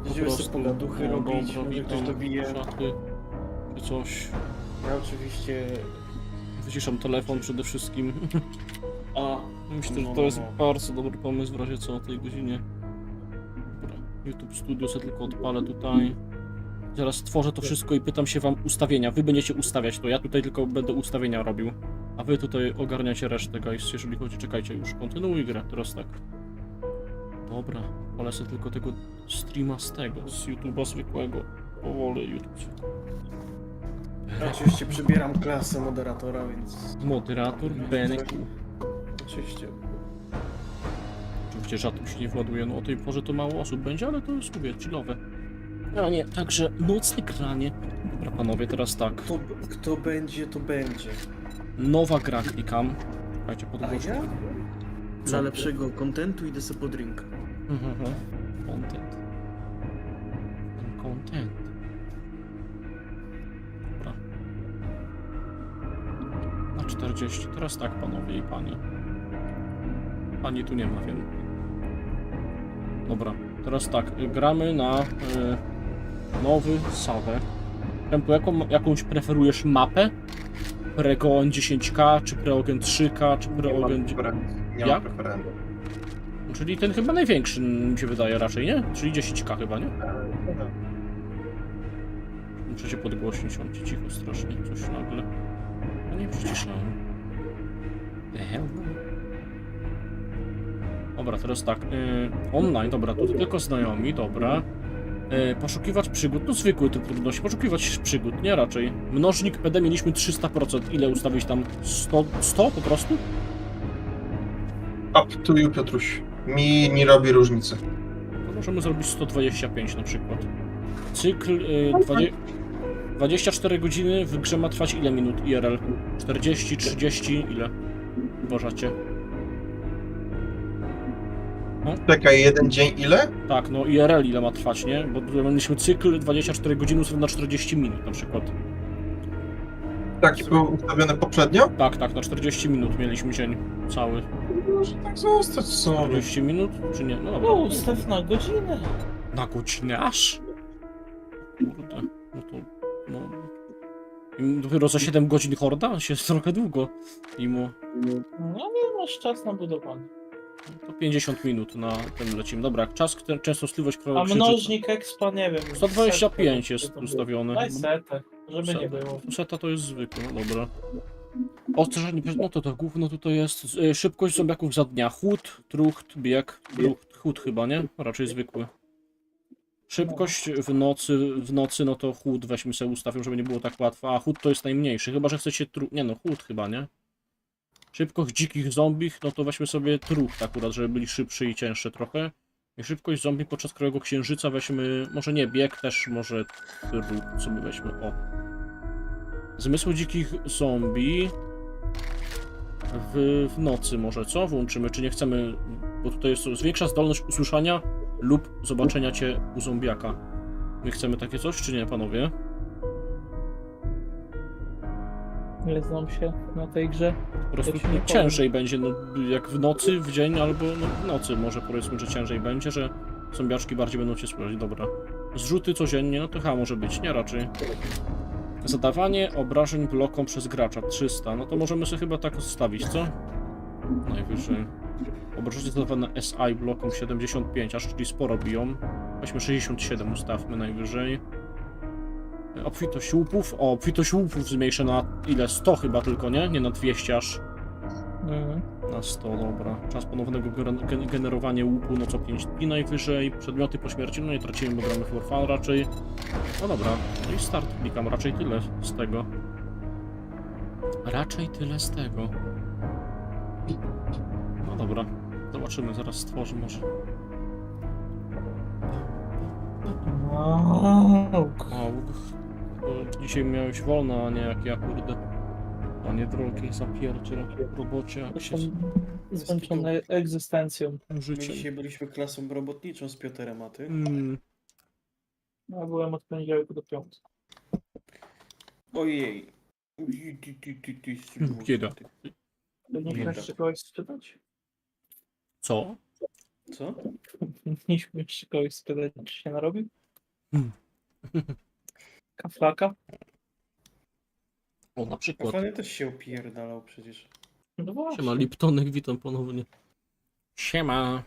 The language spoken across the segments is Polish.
Będziemy sobie pogaduchy robić, dobra, może ktoś witam, dobije. szaty, czy coś. Ja oczywiście... Wyciszam telefon przede wszystkim. A, Myślę, że to jest bardzo dobry pomysł w razie co o tej godzinie. Dobra, YouTube Studio sobie tylko odpalę tutaj. Zaraz tworzę to wszystko i pytam się wam ustawienia. Wy będziecie ustawiać to, ja tutaj tylko będę ustawienia robił. A wy tutaj ogarniacie resztę, guys, jeżeli chodzi. Czekajcie, już kontynuuj grę, teraz tak. Dobra, polecę tylko tego streama z tego, z YouTube'a zwykłego. Powoli YouTube zwykły. ja oczywiście przybieram klasę moderatora, więc... Moderator Benek. Oczywiście. Oczywiście rzadko się nie właduje, no o tej porze to mało osób będzie, ale to jest, mówię, chillowe. A nie, także nocne granie. Dobra panowie, teraz tak. Kto będzie, to będzie. Nowa gra klikam. Słuchajcie, A podgłośnik. ja? Co? Dla lepszego kontentu idę sobie po drinka. Content. Content. Dobra. Na 40. Teraz tak, panowie i panie. Pani tu nie ma, wiem. Dobra, teraz tak. Gramy na nowy Sawę. Tempo, jakąś preferujesz mapę? Preogen 10K, czy Preogen 3K, czy Preogen... Nie Jak? mam preferencji. Czyli ten chyba największy mi się wydaje raczej, nie? Czyli 10K chyba, nie? Muszę się podgłośnić, on ci cicho strasznie, coś nagle. A nie przyciszałem. The hell? Dobra, teraz tak. Online, dobra, tu tylko znajomi, dobra. Poszukiwać przygód, no zwykły typ trudności, poszukiwać przygód, nie raczej. Mnożnik PD mieliśmy 300%, ile ustawić tam? 100 po prostu? Up to you, Piotruś. Mi nie robi różnicy. To możemy zrobić 125 na przykład. Cykl 24 godziny w grze ma trwać ile minut IRL? 40, 30, ile? Uważacie? Czekaj, jeden dzień ile? Tak, no IRL ile ma trwać, nie? Bo tutaj mieliśmy cykl 24 godziny ustawiony na 40 minut na przykład. Taki był ustawiony poprzednio? Tak, tak, na 40 minut mieliśmy dzień cały. Może tak zostać sobie. 40 minut, czy nie? No dobra. No, ustaw na godzinę. Na godzinę aż? Kurde, no to... No... I dopiero za 7 godzin horda? Się trochę długo. Mimo... No nie masz czas na budowanie. To 50 minut na tym lecimy. Dobra, jak czas, częstotliwość A mnożnik expa nie wiem. 125 jest setę. ustawiony. Daj setę, żeby nie Setę. było. Seta to jest zwykły, no dobra. Ostrzeżenie, no to gówno tutaj jest. Szybkość zombiaków za dnia. Chód, trucht, bieg. Chód chyba, nie? Raczej zwykły. Szybkość w nocy, no to chód weźmy sobie ustawię, żeby nie było tak łatwo. A chód to jest najmniejszy, chyba że chcecie nie no, chód chyba, nie? Szybkość dzikich zombich, no to weźmy sobie trucht akurat, żeby byli szybszy i cięższy trochę. I szybkość zombie podczas krajowego księżyca weźmy, może nie bieg, też może trucht sobie weźmy, o. Zmysły dzikich zombie w nocy może, co? Włączymy, czy nie chcemy, bo tutaj jest zwiększa zdolność usłyszenia lub zobaczenia cię u zombiaka. My chcemy takie coś, czy nie, panowie? Nie znam się na tej grze. Po prostu Ja ci nie ciężej będzie, no jak w nocy, w dzień, albo no, w nocy może powiedzmy, że ciężej będzie, że zombiaczki bardziej będą cię słyszeć, dobra. Zrzuty codziennie, no to chyba może być, nie raczej. Zadawanie obrażeń blokom przez gracza 300, no to możemy sobie chyba tak zostawić, co? Najwyżej. Obrażenia zadawane SI blokom 75, aż czyli sporo biją. Weźmy 67, ustawmy najwyżej. Obfitość łupów. O, obfitość łupów zmniejszę na ile? 100 chyba tylko, nie? Nie na 200 aż. Na 100, dobra. Czas ponownego generowania łupu, no co 5 dni najwyżej. Przedmioty po śmierci, no nie tracimy, bo gramy for fun raczej. No dobra, no i start klikam, raczej tyle z tego. Raczej tyle z tego. No dobra, zobaczymy, zaraz stworzę może. Auk. Dzisiaj miałeś wolno, a nie jak ja, kurde. Panie drogi, zapierdziel, robocie, jak się Jestem zmęczony egzystencją. My życiem. dzisiaj byliśmy klasą robotniczą z Piotrem, a ty? Ja byłem od poniedziałku do piątku. Ojej. Bieda. To nie Bieda. chcesz czegoś sprzedać? Co? Co? Powinniśmy jeszcze kogoś spytać, czy się narobił? Hmm. Kaflaka? O, na przykład. Fany też się opierdalał przecież. No właśnie. Siema, Liptonek, witam ponownie. Siema.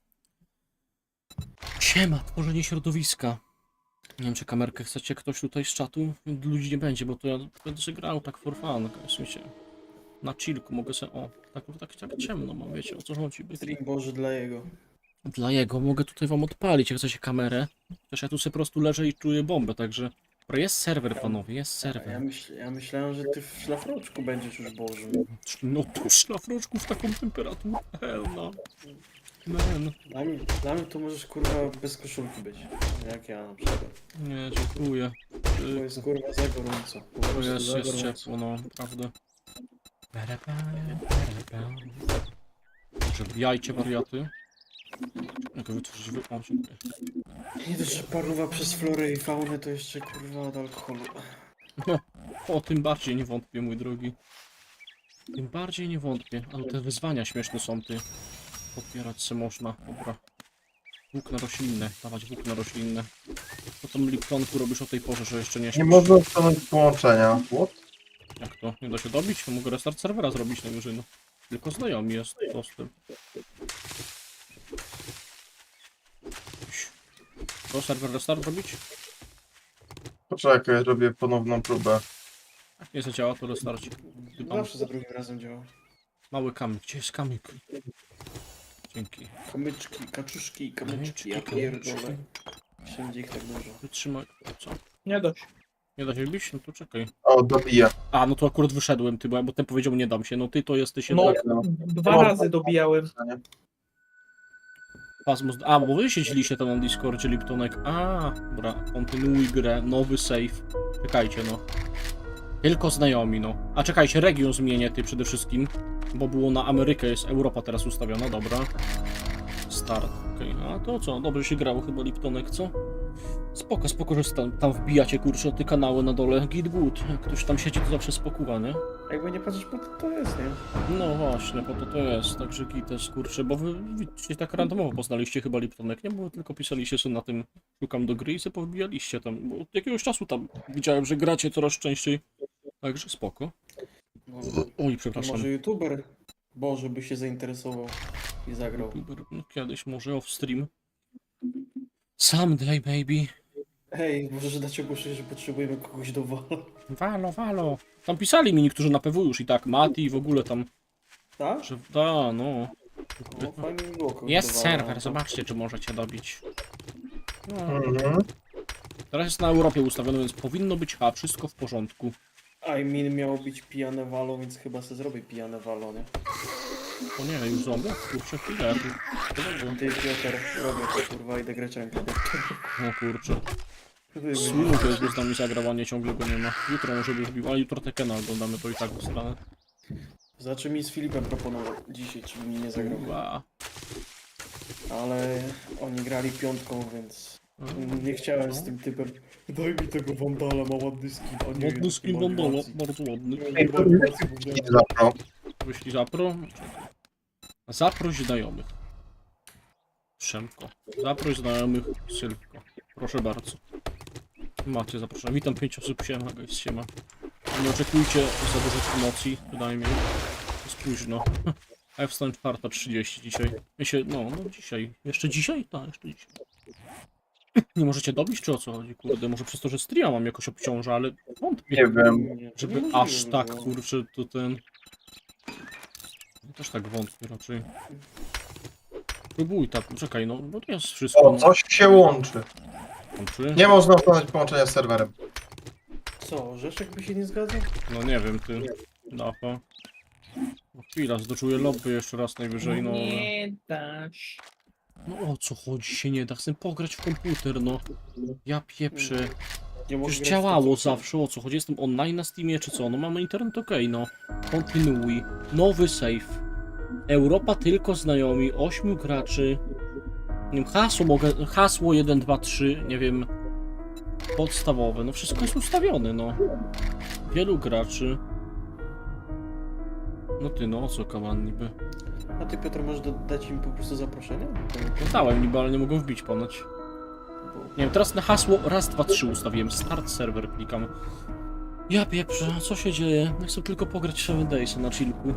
Siema, tworzenie środowiska. Nie wiem, czy kamerkę chcecie ktoś tutaj z czatu? Ludzi nie będzie, bo to ja będę sobie grał tak for fun, w sensie. Na chillku mogę sobie, o, tak ciemno mam, wiecie o co chodzi. Stream Boży dla jego. Dla jego mogę tutaj wam odpalić, jak chcecie kamerę. Chociaż ja tu sobie po prostu leżę i czuję bombę, także... Dobra, jest serwer, panowie, jest Ja serwer. myślałem, że ty w szlafroczku będziesz już Bożym. No tu szlafroczku w taką temperaturę, hell no. Man. Dla mnie to możesz kurwa bez koszulki być. Jak ja na przykład. Nie, dziękuję. To jest kurwa za gorąco. Po To prostu jest za gorąco. ciepło, no, naprawdę. Że wbijajcie wariaty. Jak wytworzyć o, dziękuję. Nie dość, że paruwa przez florę i faunę, to jeszcze kurwa od alkoholu. No, o, tym bardziej nie wątpię, mój drogi. Tym bardziej nie wątpię. Ale te wyzwania śmieszne są, ty. Podbierać se można, dobra. Włókna roślinne, dawać włókna roślinne. Co tam Liptonku robisz o tej porze, że jeszcze nie Nie śpisz? można usunąć połączenia. What? Jak to? Nie da się dobić? Mogę restart serwera zrobić najwyżej, no. Tylko znajomi jest dostęp. To serwer restart robić? Poczekaj, robię ponowną próbę. Jak nie zadziała, to restarci. Ty tam Zawsze za drugim razem działa. mały kamyk. Gdzie jest kamyk? Dzięki. Kamyczki, kaczuszki, kamyczki, ja Kamyczki, pierdolę. kamyczki. Wszędzie ich tak dużo. Wytrzymaj. Co? Nie dość. Nie da się bić? No to czekaj. O, dobiję. A, no to akurat wyszedłem, ty, bo ten powiedział nie dam się. No ty to jesteś No, jednak... dwa razy dobijałem. Pasmus... A, bo wy siedzieliście tam na Discordzie, Liptonek. A, dobra, kontynuuj grę, nowy save. Czekajcie, no. Tylko znajomi, no. A czekajcie, region zmienię, ty przede wszystkim. Bo było na Amerykę, jest Europa teraz ustawiona, dobra. Start, okej. A to co, dobrze się grało chyba, Liptonek, co? Spoko, że tam wbijacie, kurczę, te kanały na dole. Git good. Jak ktoś tam siedzi, to zawsze spokuwa, nie? Jakby nie patrzeć, po to jest, nie? No właśnie, po to jest, także gites, kurczę, bo wy się tak randomowo poznaliście chyba Liptonek, nie? Bo wy tylko pisaliście sobie na tym, szukam do gry i sobie powbijaliście tam, bo od jakiegoś czasu tam widziałem, że gracie coraz częściej, także spoko. No, Oj, to przepraszam. może youtuber Boże by się zainteresował i zagrał. No, kiedyś może off stream. Someday, baby. Hej, możesz dać ogłoszenie, że potrzebujemy kogoś do wala. Walo. Tam pisali mi niektórzy na PW już i tak, Mati i w ogóle tam, Tak? że da, no. No fajnie by było kogoś Jest do wala. serwer, zobaczcie, czy możecie dobić. No. Mhm. Teraz jest na Europie ustawione, więc powinno być wszystko w porządku. I mean miało być pijane walo, więc chyba se zrobię pijane walo, nie? O nie, już zombie? Kurczę, chwilę. Ty Piotr, robię to kurwa, idę greczankę. O kurczę. Słynny to jest z nami zagrawanie, ciągle go nie ma. Jutro może by wbił, ale jutro Tekena oglądamy, to i tak w stronę. Znaczy mi z Filipem proponował dzisiaj, czy mi nie zagrał. Ła. Ale oni grali piątką, więc nie chciałem z tym typem. Daj mi tego Wandala, ma ładny skin. A nie, Ładny skin ma Wandala, animacji. bardzo ładny. Ej, to nie zapro. Wyślij zapro. Zaproś znajomych. Przemko. Zaproś znajomych, Sylwko. Proszę bardzo. Macie zaproszenie. Witam 5 osób, siema, guys, siema. Nie oczekujcie za dużych emocji, bynajmniej. Jest późno. A ja wstałem 4:30 dzisiaj. No dzisiaj. Jeszcze dzisiaj? Tak, jeszcze dzisiaj. Nie możecie dobić, czy o co chodzi? Kurde, może przez to, że streama mam jakoś obciąża, ale wątpię. Nie wiem. Nie, to Żeby niemożliwe aż by tak, było. kurczę, to ten... Ja też tak wątpię raczej. Próbuj tak, czekaj, no, bo to jest wszystko. O, coś się łączy. Łączy? Nie można usunąć połączenia z serwerem. Co, Orzeszek by się nie zgadzał? No nie wiem, ty. Dafa. No chwila, zdoczuję lobby jeszcze raz najwyżej, no. ale- Nie dasz. No o co chodzi, się nie da, chcę pograć w komputer, no. Ja pieprzę. Nie mogę Już grać w działało to, co zawsze, o co chodzi? Jestem online na Steamie czy co? No mamy internet, okej, no. Kontynuuj. Nowy save. Europa tylko znajomi, 8 graczy. Nie wiem, hasło 1, 2, 3, nie wiem. Podstawowe, no wszystko jest ustawione, no. Wielu graczy. No ty, no o co kaman niby? A ty, Piotr, możesz dać im po prostu zaproszenie? No dałem niby, ale nie mogą wbić ponoć. Nie wiem, teraz na hasło raz, dwa, trzy ustawiłem. Start server klikam. Ja pieprzę, co się dzieje? Ja chcę tylko pograć 7 Days na chillku.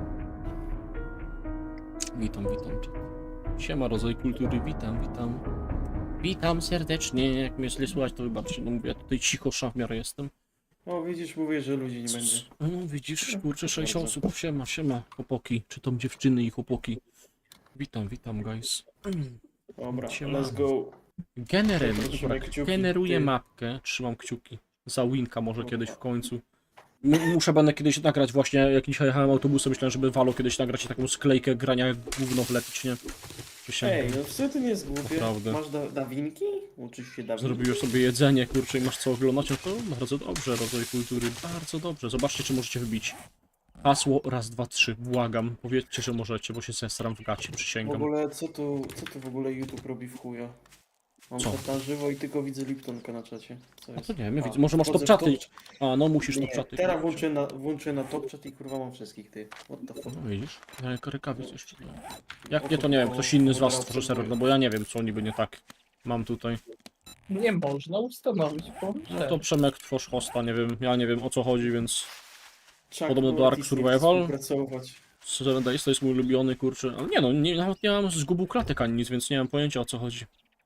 Witam. Siema, rodzaj kultury, witam. Witam serdecznie, jak mnie źle słychać, to wybaczcie, no mówię, ja tutaj cicho w miarę jestem. O, widzisz, mówię, że ludzi nie będzie. No widzisz, kurczę, 6 Bardzo. osób, siema, chłopaki, czy to dziewczyny i chłopaki. Witam, guys. Dobra, Siema. let's go. Trzymaj kciuki, Generuję ty. mapkę, trzymam kciuki. Za Winka może kiedyś w końcu. Będę kiedyś nagrać właśnie, jak dzisiaj jechałem autobusem, myślałem, żeby Valo kiedyś nagrać i taką sklejkę grania jak gówno wlepić, nie? Ej, no co ty nie jest głupie? Naprawdę. Masz dawinki? Uczysz się dawinki? Zrobiłeś sobie jedzenie, kurczę, i masz co oglądać, no to bardzo dobrze, rodzaj kultury, bardzo dobrze. Zobaczcie, czy możecie wbić. Hasło raz, dwa, trzy, błagam. Powiedzcie, że możecie, bo się zesram w gacie, W przysięgam. ogóle, co tu w ogóle YouTube robi w chuja? Mam Co? czat na żywo i tylko widzę Liptonka na czacie. Co No jest? to nie wiem, A, widzę, może masz wchodzę top w czaty. A, no musisz Nie, top czaty. teraz włączę na top chat i kurwa mam wszystkich, ty. What the fuck? No widzisz, rękawic jeszcze. No. Jak nie, to nie wiem, ktoś inny z was stworzy serwer, no bo ja nie wiem, co niby nie tak mam tutaj. Nie można ustanowić No połączenia. to Przemek tworz hosta, nie wiem, ja nie wiem o co chodzi, więc Chuck Podobno do Norris Ark nie Survival? chce współpracować. 7 Days to jest mój ulubiony, kurczę, ale nie no, nawet nie mam zgubu klatek ani nic, więc nie mam pojęcia o co chodzi.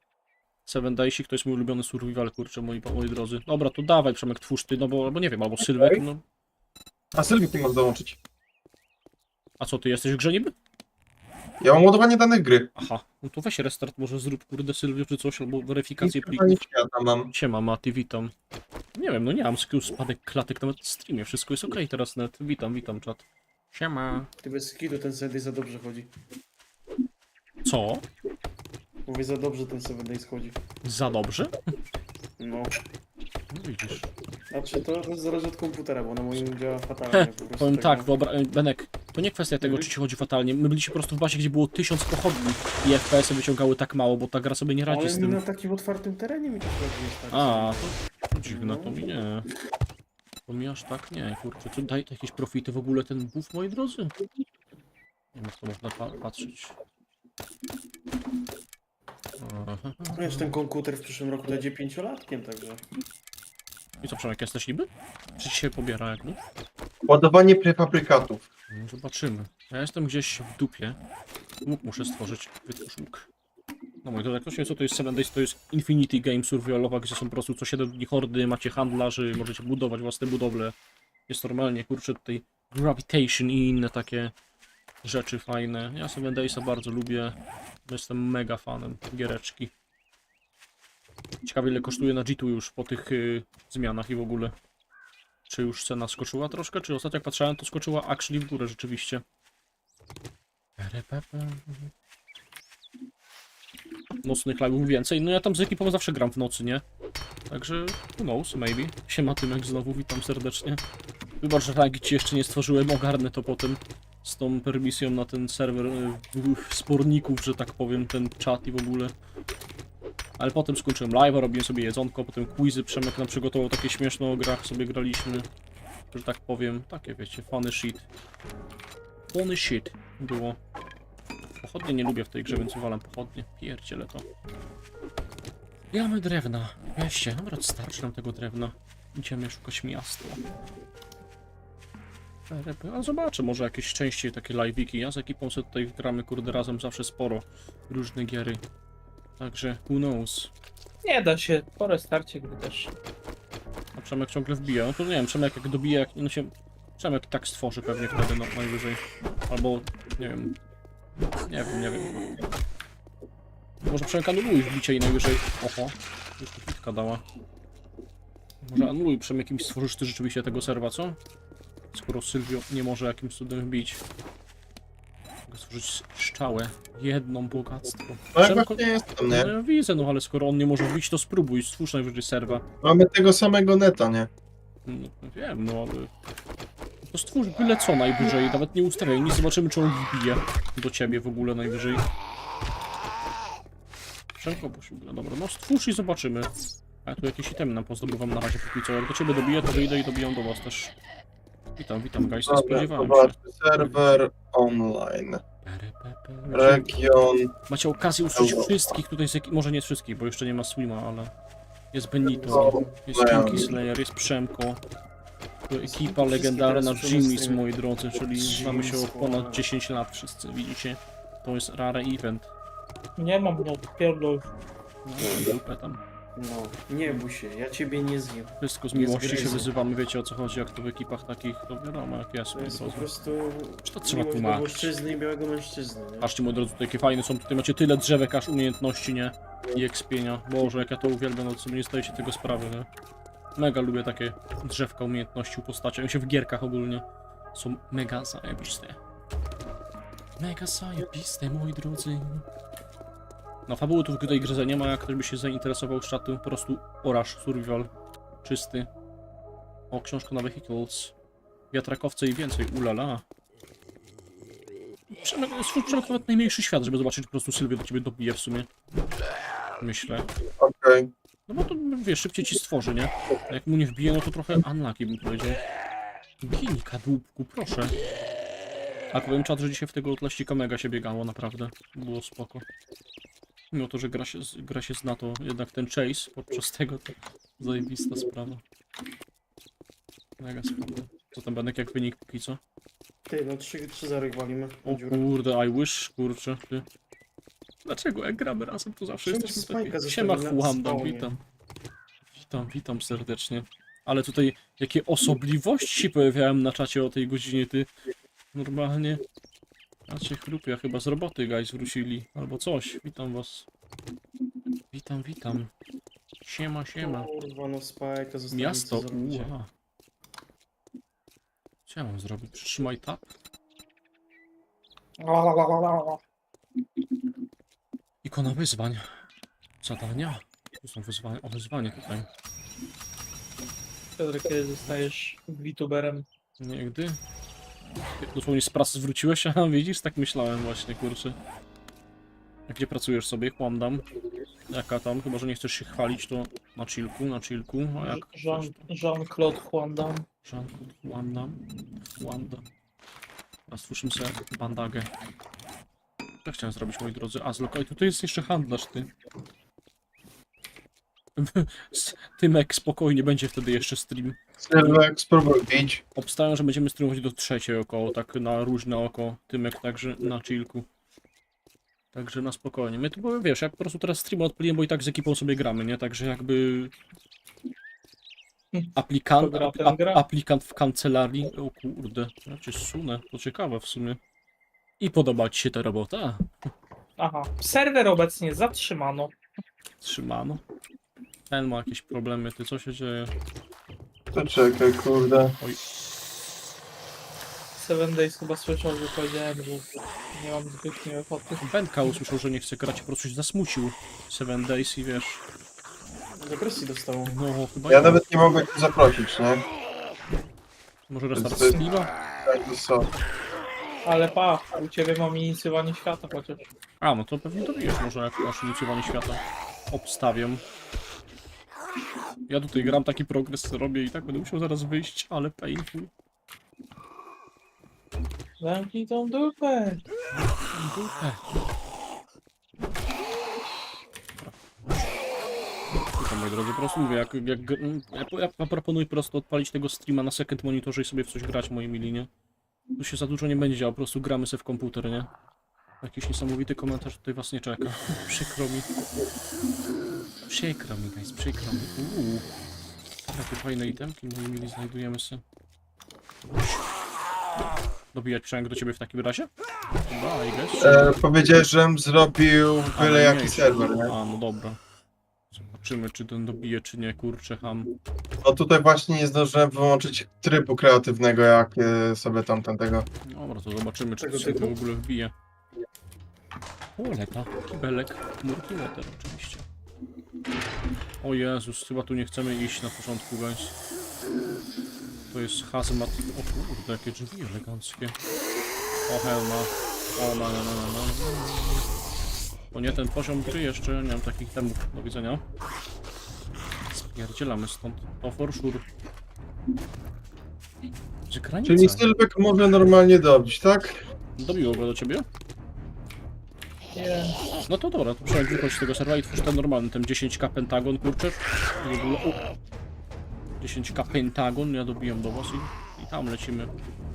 7 Daysik to jest mój ulubiony survival, kurczę, moi drodzy. Dobra, to dawaj Przemek, twórz ty, no bo, albo nie wiem, albo Sylwek, no. A Sylwik nie może dołączyć. A co, ty jesteś w grze niby? Ja mam ładowanie danych gry. Aha, no to weź restart, może zrób, kurde, Sylwio czy coś, albo weryfikację I plików. pytanie świata mam. Siema Mati, witam. Nie wiem, no nie mam skills spadek klatek nawet w streamie, wszystko jest okej teraz net. Witam czat. Siema. Ty bez skidu ten 7 Days za dobrze chodzi. Co? Mówię, za dobrze ten 7 Days chodzi. Za dobrze? No. No widzisz. Znaczy to zależy od komputera, bo na moim działa fatalnie po prostu. Powiem tak, no. Benek, to nie kwestia tego, czy ci chodzi fatalnie. My byliśmy po prostu w bazie, gdzie było 1000 pochodni i FPS-y wyciągały tak mało, bo ta gra sobie nie radzi Ale z mi tym. na takim otwartym terenie mi to chodzi jest tak. A, to dziwne, to mi nie. To mi aż tak nie, kurczę. Czy daje to jakieś profity w ogóle ten buff, moi drodzy? Nie wiem, jak to można patrzeć. Aha. Wiesz, ten komputer w przyszłym roku będzie 5-latkiem, także. I co, Przemek, jesteś niby? Czy ci się pobiera jak no? Ładowanie prefabrykatów. No, zobaczymy. Ja jestem gdzieś w dupie. Łuk muszę stworzyć. Wytwórz łuk. No moi drodzy, jak ktoś nie wie co to jest 7 Days, to jest Infinity Game Survivalowa, gdzie są po prostu co 7 dni hordy, macie handlarzy, możecie budować własne budowle. Jest normalnie, kurczę, tutaj Gravitation i inne takie rzeczy fajne. Ja 7 Daysa bardzo lubię. Jestem mega fanem giereczki. Ciekawe ile kosztuje na G2 już po tych zmianach i w ogóle. Czy już cena skoczyła troszkę? Czy ostatnio jak patrzałem, to skoczyła actually w górę rzeczywiście. Nocnych live'ów więcej. No ja tam z ekipą zawsze gram w nocy, nie? Także who knows, maybe. Siema Tymek znowu, witam serdecznie. Wybacz, że rangi ci jeszcze nie stworzyłem, ogarnę to potem z tą permisją na ten serwer sporników, że tak powiem, ten czat i w ogóle. Ale potem skończyłem live'a, robiłem sobie jedzonko, potem quizy, Przemek nam przygotował takie śmieszne o grach, sobie graliśmy. Że tak powiem, takie wiecie, funny shit. Funny shit było. Pochodnie nie lubię w tej grze, więc uwalam pochodnie. Pierdziele to. Ile mamy drewna? Weźcie, dobra, starczy nam tego drewna. Idziemy szukać miasta. A zobaczę, może jakieś częściej takie live'iki. Ja z ekipą sobie tutaj gramy, kurde, razem zawsze sporo. Różne giery. Także, who knows. Nie da się, po restarcie gry też. A Przemek ciągle wbija. No to nie wiem, Przemek jak dobije, jak no się... Przemek tak stworzy pewnie wtedy, no najwyżej. Albo, nie wiem. Nie wiem. Może Przemek anuluj wbicie i najwyżej... Oho, już tu pitka dała. Może anuluj Przemek jakimś stworzysz ty rzeczywiście tego serwa, co? Skoro Sylwio nie może jakimś cudem wbić. Mogę stworzyć szczałę. Jedną bogactwo. No jak Przemek- właśnie jestem, No nie? ja widzę, no ale skoro on nie może wbić, to spróbuj, stwórz najwyżej serwa. Mamy tego samego neta, nie? No, wiem, no ale... To stwórz byle co najwyżej, nawet nie ustawiaj, nie zobaczymy czy on wbije do ciebie w ogóle najwyżej. Przemko posiłka, dobra, no stwórz i zobaczymy. A ja tu jakieś itemy nam pozdobywam na razie póki co, jak do ciebie dobiję, to wyjdę i dobijam do was też. Witam guys, nie Dobra, spodziewałem się. zobaczmy. Serwer online. Region. Macie okazję usłyszeć wszystkich tutaj, może nie wszystkich, bo jeszcze nie ma Swima, ale jest Benito, jest Kinky Slayer, jest Przemko, ekipa legendarna Jimmy's, moi drodzy, czyli znamy się od ponad 10 lat wszyscy, widzicie? To jest rare event. Nie mam, no, pierdol. No, dupę tam. No, nie bój się, ja ciebie nie zjem. Wszystko z Nie miłości się zgryzę. wyzywamy, wiecie o co chodzi, jak to w ekipach takich, to wiadomo jak jest, To moi jest po drodzy. prostu Czy to trzeba miłość do tłumaczyć? mężczyzny i białego mężczyzny, nie? Patrzcie, moi drodzy, tutaj jakie fajne są, tutaj macie tyle drzewek, aż umiejętności, nie? I expienia. Boże, jak ja to uwielbiam, no to sobie nie zdajecie tego sprawy, nie? Mega lubię takie drzewka umiejętności u postaci, one się w gierkach ogólnie są mega zajebiste. Mega zajebiste, moi drodzy. No, fabuły tu w tej grze nie ma, jak ktoś by się zainteresował z czatu, po prostu oraż, survival, czysty. O, książka na vehicles, wiatrakowce i więcej, ulala. Przemek nawet najmniejszy świat, żeby zobaczyć, po prostu Sylwia do ciebie dobije w sumie. Myślę. Okej. No bo to, wiesz, szybciej ci stworzy, nie? A jak mu nie wbije, no to trochę unlucky bym powiedział. Gini, kadłubku, proszę. A powiem czat, że dzisiaj w tego tlaścika mega się biegało, naprawdę. Było spoko. Mimo to, że gra się zna, to jednak ten chase podczas tego to zajebista sprawa. Mega spoko. Co tam, Benek, jak wynik póki co? Ty, no 3-0 walimy. O kurde, I wish, kurczę, ty. Dlaczego jak gramy razem, to zawsze Czemu jesteśmy Spike'a takie... Siema, zostawili na Juanda, spawnie? witam. Witam serdecznie. Ale tutaj jakie osobliwości się pojawiałem na czacie o tej godzinie, ty. Normalnie. A cię chrupia, chyba z roboty guys wrócili, albo coś. Witam was. Witam. Siema. Kurwa, no Spike'a zostawili. Miasto, co zrobicie? uła. Co ja mam zrobić? Przytrzymaj tab? Ikona wyzwań. Zadania. Tu są wyzwania. O, wyzwanie tutaj. Piotr, kiedy zostajesz VTuberem? Nigdy. Dosłownie z pracy zwróciłeś, a widzisz, tak myślałem właśnie, kurczę. A gdzie pracujesz sobie? Kłamdam. Jaka tam? Chyba, że nie chcesz się chwalić, to na chillku. A jak? Jean-Claude Van Damme. Jean-Claude Wanda. Teraz stwórzmy sobie bandagę. Co chciałem zrobić, moi drodzy? A, zlokaj, tutaj jest jeszcze handlarz, ty. Tymek, spokojnie, będzie wtedy jeszcze stream. Serwer, spróbuj bić. Obstawiam, że będziemy streamować do 3 około, tak na różne oko. Tymek także na chillku. Także na spokojnie. My tu, bo wiesz, jak po prostu teraz streama odpaliłem, bo i tak z ekipą sobie gramy, nie? Także jakby... Aplikant w kancelarii. O kurde, ja cię zsunę. To ciekawe w sumie. I podoba ci się ta robota? Aha. Serwer obecnie zatrzymano. Trzymano. Ten ma jakieś problemy, ty co się dzieje? To czekaj, kurde. 7 Days chyba słyszał, że powiedziałem, że nie mam zbytnio ochoty. Benka usłyszał, że nie chce grać, po prostu się zasmucił. 7 Days i wiesz... Depresji dostało. No chyba Ja nie. nawet nie mogę cię zaprosić, nie? Może restart Więc- streama? Tak, to co? Ale pa, u ciebie mam inicjowanie świata chociaż. A, no to pewnie dobijesz może jak masz inicjowanie świata. Obstawiam. Ja tutaj gram, taki progres robię i tak będę musiał zaraz wyjść, ale painful. Zamknij tą dupę. Dupę. Tylko, moi drodzy, po prostu mówię, ja proponuję po prostu odpalić tego streama na second monitorze i sobie w coś grać, moi mili, nie? Tu się za dużo nie będzie działo, po prostu gramy sobie w komputer, nie? Jakiś niesamowity komentarz tutaj was nie czeka. Przykro mi. Przykro mi, guys, przykro mi. Jakie fajne itemki, moi mili, znajdujemy sobie. Dobijać Przemk do ciebie w takim razie? Chyba, I guess. Powiedziałeś, żebym zrobił A, byle no jaki nie, serwer, nie? A, no dobra. Zobaczymy, czy ten dobije, czy nie, kurczę, ham. No tutaj właśnie nie zdążyłem wyłączyć trybu kreatywnego, jak sobie tamtego. Dobra, to zobaczymy, czy Tego to się typu? w ogóle wbije. Oleta, kibelek, chmurki water oczywiście. O Jezus, chyba tu nie chcemy iść na początku, guys. To jest hazmat. O kurde, jakie drzwi eleganckie. O helma. O no. To nie ten poziom gry jeszcze, nie mam takich temów. Do widzenia. Spierdzielamy stąd. To for sure. Gdzie granica? Czyli Sylwek może normalnie dobić, tak? Dobiło go do ciebie? Nie. No to dobra, to przynajmniej wychodź z tego serwa i twórz ten normalny, ten 10k pentagon, kurczę. W ogóle, 10k pentagon, ja dobiłem do was i tam lecimy.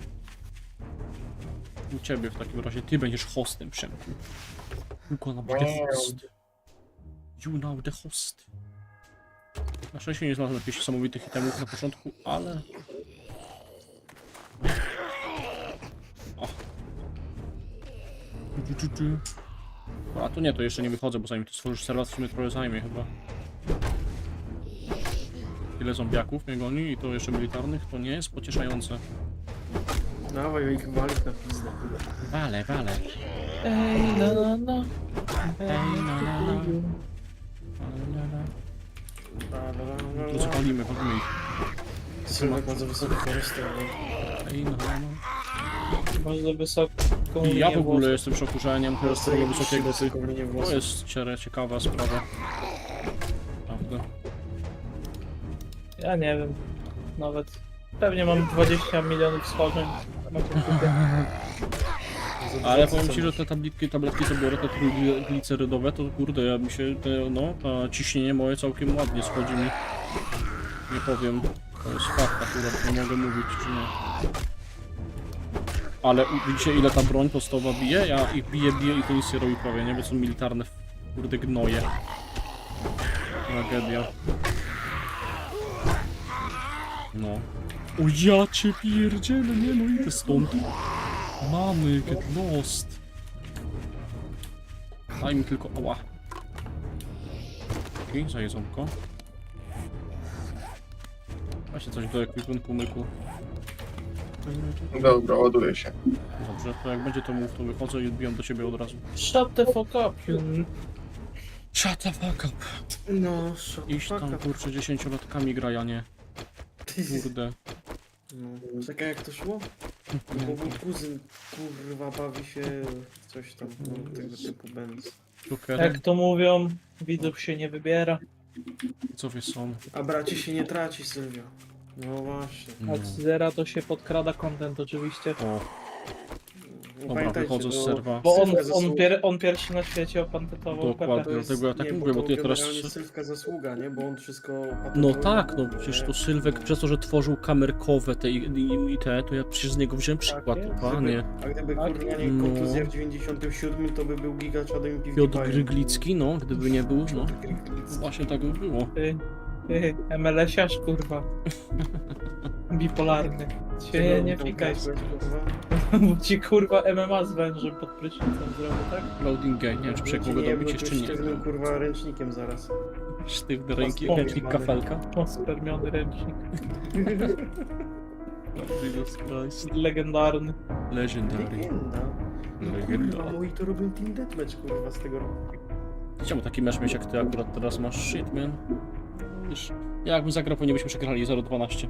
U ciebie w takim razie, ty będziesz hostem, Przemku. You gonna be the host. You now the host. Na szczęście nie znalazłem jakichś niesamowitych itemów na początku, ale... O. A to nie, to jeszcze nie wychodzę, bo zanim to stworzysz serwer, to w sumie trochę zajmie chyba. Ile zombiaków mnie goni i to jeszcze militarnych, to nie jest pocieszające. Dawaj ich walić na pizdę. Wale, wale. Ej, no. To co palimy, palimy ich. Sylwek ma za wysokie cholesterol. Ej, no. Bardzo wysoką I ja w linię ogóle włosów. jestem w szoku, że ja nie mam cholesterolu wysokiego, ty. Linię To włosów. jest ciekawa sprawa. Prawda. Ja nie wiem. Nawet. Pewnie mam 20 milionów schorzeń na komputerze. Ale powiem ci, że te tabletki co biorę, te trójglicerydowe, to kurde, ja mi się, to ciśnienie moje całkiem ładnie schodzi mi. Nie powiem, to jest fakt akurat, nie mogę mówić, czy nie. Ale widzicie ile ta broń podstawowa bije? Ja ich biję i to nic nie robi prawie, nie? Bo są militarne, kurde, gnoje. Tragedia. No. O ja cię pierdzielę, nie no idę stąd. Mamy, get lost. Daj mi tylko, ała. Okej, za jedzonko. Właśnie coś do ekwipunku myku. Dobra, ładuję się. Dobrze, to jak będzie to mów, to wychodzę i odbijam do ciebie od razu. Shut the fuck up, you... Shut the fuck up. No, Iść tam, kurczę, 10-latkami graja, nie. Kurde. No, czekaj jak to szło? Bo mój kuzyn, kurwa, bawi się coś tam, no, tego typu będz. Jokerem, Jak to mówią, widzów się nie wybiera. co wy są? A braci się nie traci, Sylwio. No właśnie. No. Od zera to się podkrada content oczywiście. O, No, dobra, pamiętajcie, wychodzę z no, serwa. Bo Sylwka zasługa. on pierwszy na świecie opantetował Dokładnie. Pepe. To jest- Dlatego ja tak nie, mówię, bo to ty teraz- generalnie Sylwka zasługa, nie? Bo on wszystko No patentował. tak, no przecież to Sylwek, przez to, że tworzył kamerkowe te i te, to ja przecież z niego wziąłem przykład, jest. panie. A gdyby Tak, kurwa nie no. kontuzja w 97, to by był gigaczadem i Piotr PewDiePie'em. Gryglicki, no, gdyby nie był, no. Piotr Gryglicki. Właśnie tak by było. Ty, MLS-iarz kurwa. Bipolarny. Się nie fikaj. Bo ci kurwa MMA z wężem pod prysznicem zrobił, tak? Loading game, nie wiem czy przejść mogę dobić jeszcze nie. Sztywnym kurwa ręcznikiem zaraz. Sztywny ręki, Powiem, ręcznik mamy. kafelka. O, spermiony ręcznik. Jesus Christ. Legendarny. Legendary. Legenda. No Legenda. kurwa, moi to robią Team Deathmatch kurwa z tego roku. Chciałbym taki mecz mieć jak ty akurat teraz masz, shit man. Wiesz, ja jakbym zagrał, pewnie byśmy przegrali 0-12.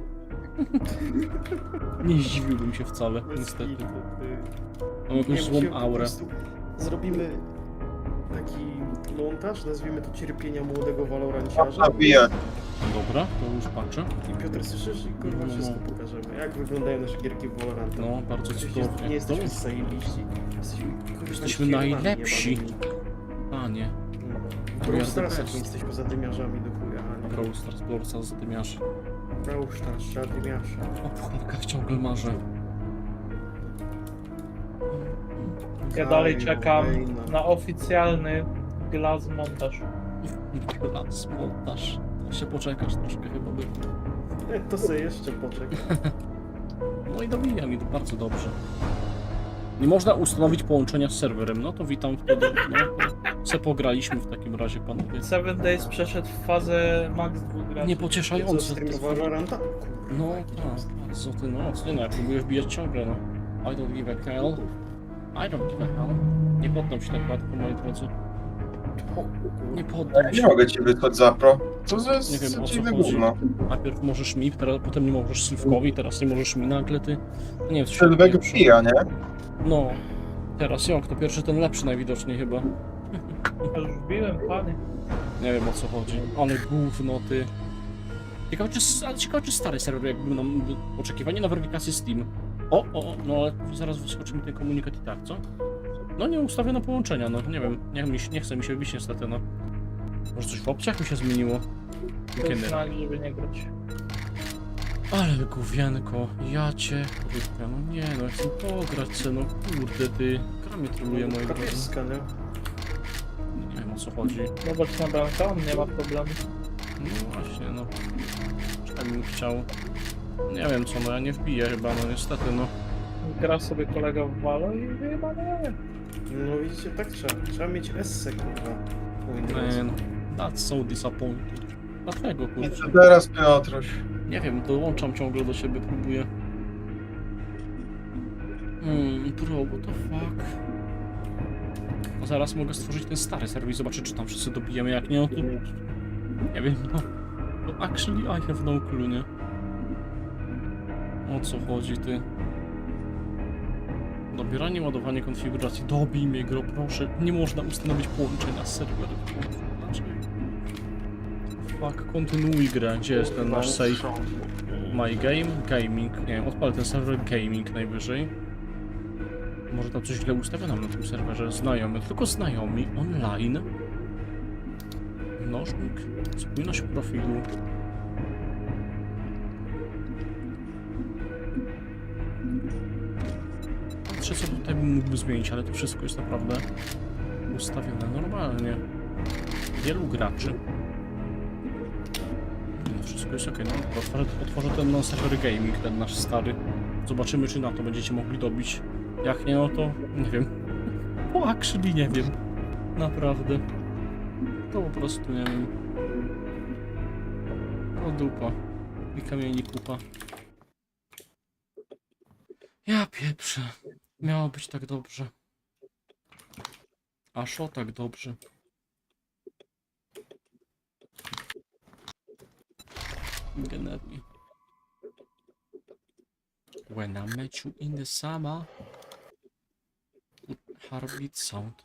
Nie zdziwiłbym się wcale, niestety. Mam jakąś złą musimy po aurę. prostu Zrobimy taki montaż, nazwijmy to cierpienia młodego waloranciarza. Nabiję. Dobra, to już patrzę. I Piotr słyszysz i kurwa No. wszystko pokażemy. Jak wyglądają nasze gierki w Valoranta. No, bardzo Przecież cudownie. nie jesteśmy No. zajebiści. Kurwa, Jesteśmy kierowani, najlepsi. jebanymi. Panie. W Brawl Starsach nie jesteśmy zadymiarzami do chuja, a nie. Brawl Stars, Brawl Stars, zadymiarz. Brawl Stars, zadymiarza. O pucharkach ciągle marzę. Ja dalej Kaju, czekam Wejna. na oficjalny glass montaż. Las, montaż. Jeszcze poczekasz troszkę chyba by. To sobie jeszcze poczekaj. No i dobijam i to bardzo dobrze. Nie można ustanowić połączenia z serwerem, no to witam wtedy. No, se pograliśmy w takim razie, panowie. 7 Days przeszedł w fazę max 2 graczy. Co, Niepocieszające. stream Valoranta? No tak, co ty no, co ty no, ja próbuję wbijać ciągle, no. I don't give a hell. I don't give a hell. Nie poddam się tak łatwo, moi drodzy. Nie poddam Nie się. mogę ci wysłać zapro. Co za Nie wiem, o co dziwne chodzi. gówno. Najpierw możesz mi, teraz, potem nie możesz Sylwkowi, teraz nie możesz mi nagle, ty. Nie wiem, co się Sylwek pieprzu. pija, nie? No. Teraz jak, to pierwszy ten lepszy najwidoczniej chyba. Ja już wbiłem, panie. Nie wiem o co chodzi. Ale gówno ty. Ciekawe, czy stary serwer jakby nam oczekiwanie na weryfikację Steam. No ale zaraz wyskoczy mi ten komunikat i tak, co? No nie ustawiono połączenia, no nie wiem, nie chce mi się wybić niestety, no. Może coś w opcjach mi się zmieniło? To Kiedy? jest znak, żeby nie grać. Ale gówienko, ja cię kurwa, no nie no, chcę pograć se, no kurde ty. Gra mnie troluje moje drodzy. Kapieska, nie? Nie wiem o co chodzi. Zobacz na bramkę, on nie ma problemu. No właśnie, no. Czy bym chciał. Nie wiem co, no ja nie wbiję chyba, no niestety, no. Gra sobie kolega w Valo i chyba nie. No widzicie, tak trzeba. Trzeba mieć esse, kurwa. Man, that's so disappointing. Dlaczego, I kurczę? co teraz, Piotruś? Nie wiem, dołączam ciągle do siebie, próbuję. Bro, what the fuck? No zaraz mogę stworzyć ten stary serwis, zobaczyć czy tam wszyscy dobijemy, jak nie, no to... Nie wiem, no... To actually I have no clue, nie? O co chodzi, ty? Dobieranie, ładowanie konfiguracji. Dobij mnie, gro, proszę. Nie można ustanowić połączenia z serwerem. Dlaczego? Fuck, kontynuuj grę. Gdzie jest ten nasz save? My game? Gaming. Nie wiem, odpalę ten serwer gaming najwyżej. Może tam coś źle ustawione na tym serwerze. Znajomy, tylko znajomi. Online. Mnożnik. Spójność profilu. Patrzę co tutaj bym mógł zmienić, ale to wszystko jest naprawdę ustawione normalnie. Wielu graczy. No wszystko jest ok, no otworzę ten non-server gaming, ten nasz stary. Zobaczymy czy na to będziecie mogli dobić. Jak nie, no to nie wiem. O, actually nie wiem. Naprawdę. To po prostu nie wiem. O dupa. I kamieni kupa. Ja pieprzę. Miało być tak dobrze. Aż o tak dobrze. Generalnie. When I met you in the summer. Heartbeat sound.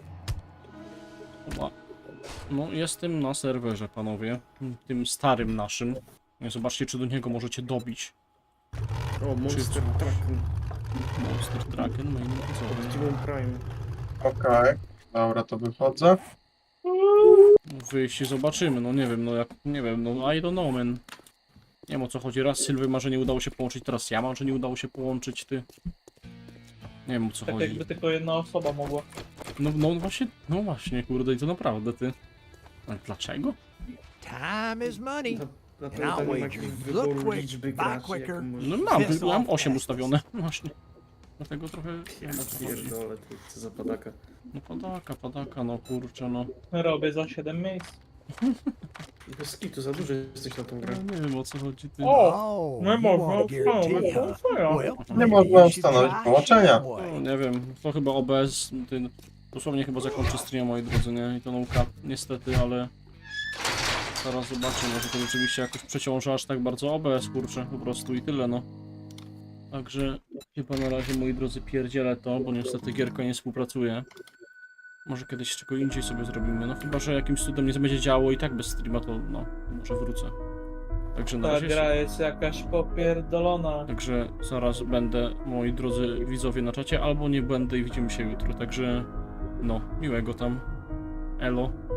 Oba. No, jestem na serwerze, panowie. Tym starym naszym. Zobaczcie, czy do niego możecie dobić. O, Monster Trucken. Monster Trucken, main widzowie. Optimum Prime. Okej, dobra, to wychodzę. Wyjść i zobaczymy, no nie wiem, no jak, nie wiem, no I don't know, man. Nie wiem o co chodzi, raz Sylwy ma, że nie udało się połączyć, teraz ja mam, że nie udało się połączyć, ty. Nie wiem o co Tak chodzi. jakby tylko jedna osoba mogła. No właśnie, kurde, i to naprawdę, ty. Ale dlaczego? Time is money. Na And pewno I'll tam nie ma wager jakiegoś you wyboru look quick, liczby buy graczy, quicker. jaką No możesz... mam 8 ustawione, właśnie. Dlatego trochę nie wiem o co chodzi. Pierdolę, ty, co za padaka. No padaka, no kurczę, no. Robię za 7 miejsc. Bez kitu, za dużo jesteś na tą grę. Ja nie wiem o co chodzi, ty. O! Oh, Nie you można want a guarantee, ustanowić huh? połączenia. Well, Nie maybe można you should ustanowić try połączenia. Shazway. No, nie wiem, to chyba OBS, ty, dosłownie chyba zakończy stream, moi drodzy, nie? I to no cap, niestety, ale... Zaraz zobaczymy, może to rzeczywiście jakoś przeciąża aż tak bardzo OBS, kurczę, po prostu i tyle, no. Także chyba na razie, moi drodzy, pierdzielę to, bo niestety gierka nie współpracuje. Może kiedyś czego indziej sobie zrobimy, no chyba, że jakimś cudem nie będzie działo i tak bez streama, to no, może wrócę. Także na Ta razie... gra jest jakaś popierdolona. Także zaraz będę, moi drodzy widzowie, na czacie, albo nie będę i widzimy się jutro. Także, no, miłego tam. Elo.